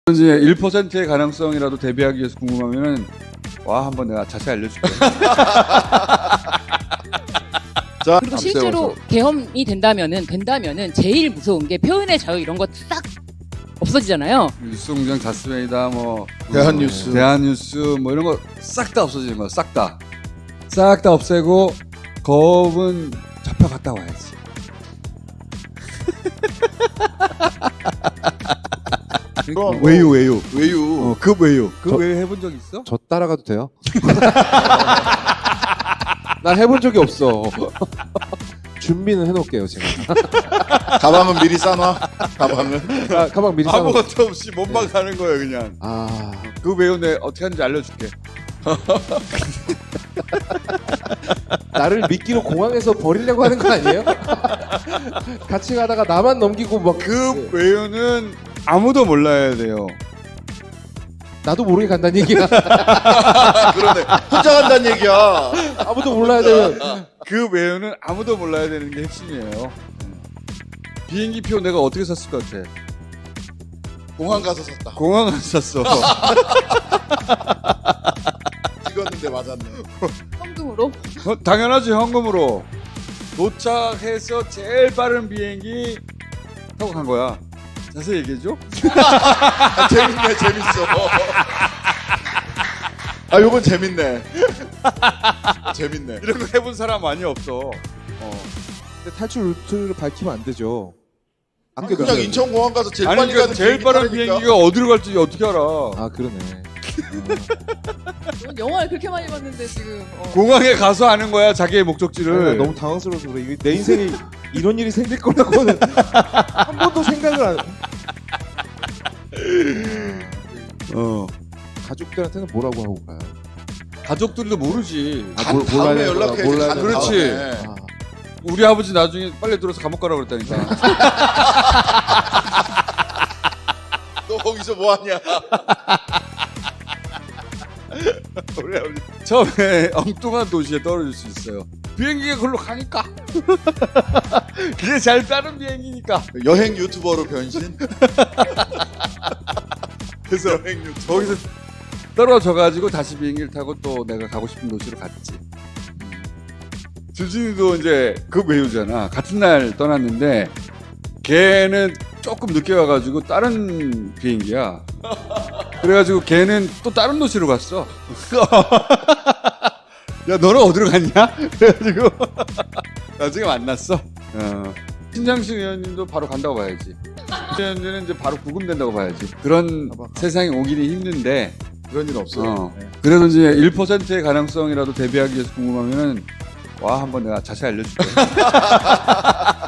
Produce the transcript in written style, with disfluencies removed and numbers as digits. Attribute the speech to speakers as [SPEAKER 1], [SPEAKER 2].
[SPEAKER 1] 이제 1%의 가능성이라도 대비하기 위해서 궁금하면은 와 한번 내가 자세히 알려줄게.
[SPEAKER 2] 자,
[SPEAKER 3] 그리고 실제로 계엄이 된다면은 제일 무서운 게 표현의 자유 이런 거 싹 없어지잖아요.
[SPEAKER 1] 뉴스공장 자스웨이다 뭐
[SPEAKER 2] 대한뉴스.
[SPEAKER 1] 대한뉴스 뭐 이런 거 싹 다 없어지는 거야. 싹 다 없애고 거업은 잡혀갔다 와야지.
[SPEAKER 2] 그럼
[SPEAKER 1] 외유
[SPEAKER 2] 외유.
[SPEAKER 1] 급 외유 해본 적 있어?
[SPEAKER 4] 저 따라가도 돼요? 난 해본 적이 없어. 준비는 해놓을게요 제가.
[SPEAKER 2] 가방은 미리 싸놔. 가방은.
[SPEAKER 4] 가방 미리 싸놓.
[SPEAKER 1] 아무것도 없이 몸만 가는 거야 그냥. 그 외유 내 어떻게 하는지 알려줄게.
[SPEAKER 4] 나를 미끼로 공항에서 버리려고 하는 거 아니에요? 같이 가다가 나만 넘기고 막
[SPEAKER 1] 그 외유는 아무도 몰라야 돼요.
[SPEAKER 4] 나도 모르게 간다는 얘기야.
[SPEAKER 2] 그러네. 혼자 간다는 얘기야.
[SPEAKER 4] 아무도 몰라야 되면
[SPEAKER 1] 그 외유는 아무도 몰라야 되는 게 핵심이에요. 비행기표 내가 어떻게 샀을 것 같아?
[SPEAKER 2] 공항 가서 샀다.
[SPEAKER 1] 공항 안 샀어.
[SPEAKER 2] 찍었는데 맞았네.
[SPEAKER 3] 현금으로.
[SPEAKER 1] 당연하지 현금으로. 도착해서 제일 빠른 비행기 타고 간 거야. 자세히 얘기해줘.
[SPEAKER 2] 아, 재밌네, 재밌어. 아, 요건 재밌네. 재밌네.
[SPEAKER 1] 이런 거 해본 사람 많이 없어.
[SPEAKER 4] 근데 탈출 루트를 밝히면 안 되죠.
[SPEAKER 2] 아니, 그냥 인천공항 가서 제일
[SPEAKER 1] 아니
[SPEAKER 2] 빨리
[SPEAKER 1] 그러니까
[SPEAKER 2] 가는
[SPEAKER 1] 제일 빠른
[SPEAKER 2] 타라니까.
[SPEAKER 1] 비행기가 어디로 갈지 어떻게 알아?
[SPEAKER 4] 아 그러네.
[SPEAKER 3] 영화를 그렇게 많이 봤는데 지금.
[SPEAKER 1] 공항에 가서 아는 거야 자기의 목적지를.
[SPEAKER 4] 너무 당황스러워서 그래. 이게 내 인생에 이런 일이 생길 거라고는 한 번도 생각을 안. 가족들한테는 뭐라고 하고 가요?
[SPEAKER 1] 가족들도 모르지.
[SPEAKER 2] 다음에 연락해.
[SPEAKER 4] 몰라야
[SPEAKER 2] 가는
[SPEAKER 1] 그렇지.
[SPEAKER 2] 다음에.
[SPEAKER 1] 우리 아버지 나중에 빨리 들어서 감옥 가라고 그랬다니까.
[SPEAKER 2] 너 거기서 뭐 하냐?
[SPEAKER 1] 우리 아버지 처음에 엉뚱한 도시에 떨어질 수 있어요. 비행기가 그걸로 가니까. 그게 잘 빠른 비행기니까.
[SPEAKER 2] 여행 유튜버로 변신?
[SPEAKER 1] 그래서
[SPEAKER 2] 여행 유튜버.
[SPEAKER 1] 거기서 떨어져가지고 다시 비행기를 타고 또 내가 가고 싶은 도시로 갔지. 주진이도 이제 그 외우잖아. 같은 날 떠났는데 걔는 조금 늦게 와가지고 다른 비행기야. 그래가지고 걔는 또 다른 도시로 갔어. 야 너는 어디로 갔냐? 그래가지고 나중에 만났어. 신장식 의원님도 바로 간다고 봐야지. 의원님은 이제 바로 구금된다고 봐야지. 그런 세상이 오기는 힘든데
[SPEAKER 2] 그런 일 없어요. 네.
[SPEAKER 1] 그래도 이제 1%의 가능성이라도 대비하기 위해서 궁금하면은 와 한번 내가 자세히 알려줄게.